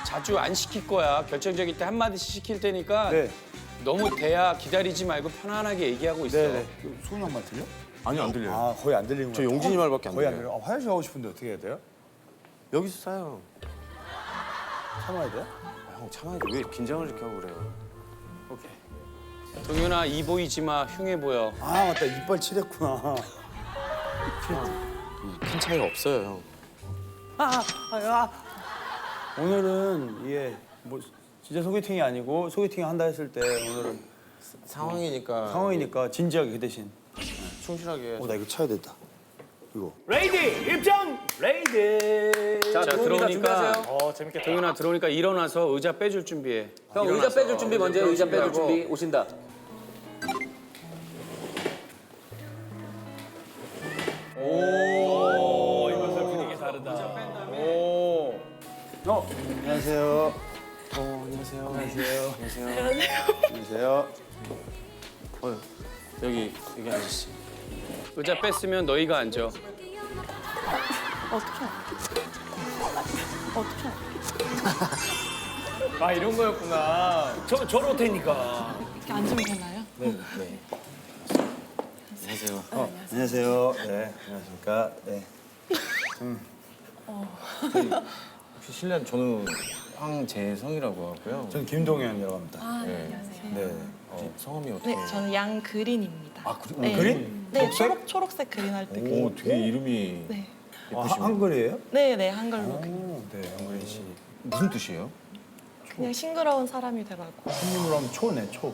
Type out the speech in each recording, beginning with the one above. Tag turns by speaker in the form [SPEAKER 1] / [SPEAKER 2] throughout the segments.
[SPEAKER 1] 자주 안 시킬 거야. 결정적일 때 한마디씩 시킬 테니까
[SPEAKER 2] 네.
[SPEAKER 1] 너무 대야 기다리지 말고 편안하게 얘기하고 있어.
[SPEAKER 2] 네네. 소은 형말 들려?
[SPEAKER 3] 아니요, 안 들려요.
[SPEAKER 2] 아 거의 안 들리는
[SPEAKER 3] 저
[SPEAKER 2] 거야.
[SPEAKER 3] 용진이 말밖에 안
[SPEAKER 2] 거의 안
[SPEAKER 3] 들려요.
[SPEAKER 2] 들려. 아, 화장실 가고 싶은데 어떻게 해야 돼요?
[SPEAKER 3] 여기서 싸요.
[SPEAKER 2] 참아야 돼요?
[SPEAKER 3] 아, 형 참아야지. 왜 긴장을 이렇게 하고 그래요?
[SPEAKER 2] 오케이.
[SPEAKER 1] 동현아 이 보이지 마. 흉해 보여.
[SPEAKER 2] 아 맞다 이빨 칠했구나.
[SPEAKER 3] 큰 차이가 없어요, 형.
[SPEAKER 2] 오늘은 이게 뭐 진짜 소개팅이 아니고 소개팅 한다 했을 때 오늘은
[SPEAKER 3] 상황이니까
[SPEAKER 2] 상황이니까 진지하게 그 대신.
[SPEAKER 3] 충실하게.
[SPEAKER 2] 나 이거 쳐야 된다. 이거.
[SPEAKER 4] 레이디 입장. 레이디.
[SPEAKER 1] 자 들어오니까
[SPEAKER 4] 재밌겠다.
[SPEAKER 1] 동현아 들어오니까 일어나서 의자 빼줄 준비해.
[SPEAKER 5] 형 의자 빼줄 준비 먼저 해요. 의자 빼줄 준비. 오신다.
[SPEAKER 4] 이것을 분위기 다르다.
[SPEAKER 2] 안녕하세요.
[SPEAKER 3] 안녕하세요.
[SPEAKER 2] 안녕하세요.
[SPEAKER 3] 안녕하세요.
[SPEAKER 2] 안녕하세요.
[SPEAKER 3] 여기 아저씨.
[SPEAKER 1] 의자 뺐으면 너희가 앉아.
[SPEAKER 4] 아 이런 거였구나. 저럴 테니까.
[SPEAKER 6] 이렇게 앉으면 되나요?
[SPEAKER 3] 안녕하세요.
[SPEAKER 2] 안녕하세요. 네. 안녕하십니까. 네.
[SPEAKER 3] 혹시 실례 저는 황재성이라고 하고요.
[SPEAKER 2] 저는 김동현이라고 합니다.
[SPEAKER 6] 아, 네,
[SPEAKER 3] 네.
[SPEAKER 6] 안녕하세요.
[SPEAKER 2] 네.
[SPEAKER 3] 성함이 어떻게?
[SPEAKER 6] 네, 저는 양그린입니다.
[SPEAKER 2] 아
[SPEAKER 6] 네.
[SPEAKER 2] 그린?
[SPEAKER 6] 네, 초록색 그린 할 때.
[SPEAKER 3] 오, 되게 이름이
[SPEAKER 6] 네.
[SPEAKER 2] 아,
[SPEAKER 3] 예쁘시네.
[SPEAKER 2] 한글이에요?
[SPEAKER 6] 네, 네, 한글로.
[SPEAKER 2] 네, 한글인 씨.
[SPEAKER 3] 무슨 뜻이에요?
[SPEAKER 6] 그냥 싱그러운 사람이 되라고.
[SPEAKER 2] 손님으로 하면 초네, 초.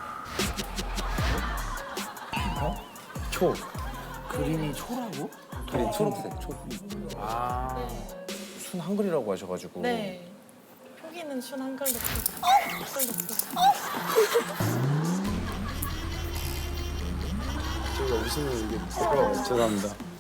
[SPEAKER 2] 어? 초. 그림이 초라고?
[SPEAKER 5] 그린 초록색.
[SPEAKER 3] 순 한글이라고 하셔가지고.
[SPEAKER 6] 네. 표기는 춘 한글로 쓰고. 한글로 쓰고.
[SPEAKER 2] 제가 웃으면 이게 부끄러워요. 죄송합니다.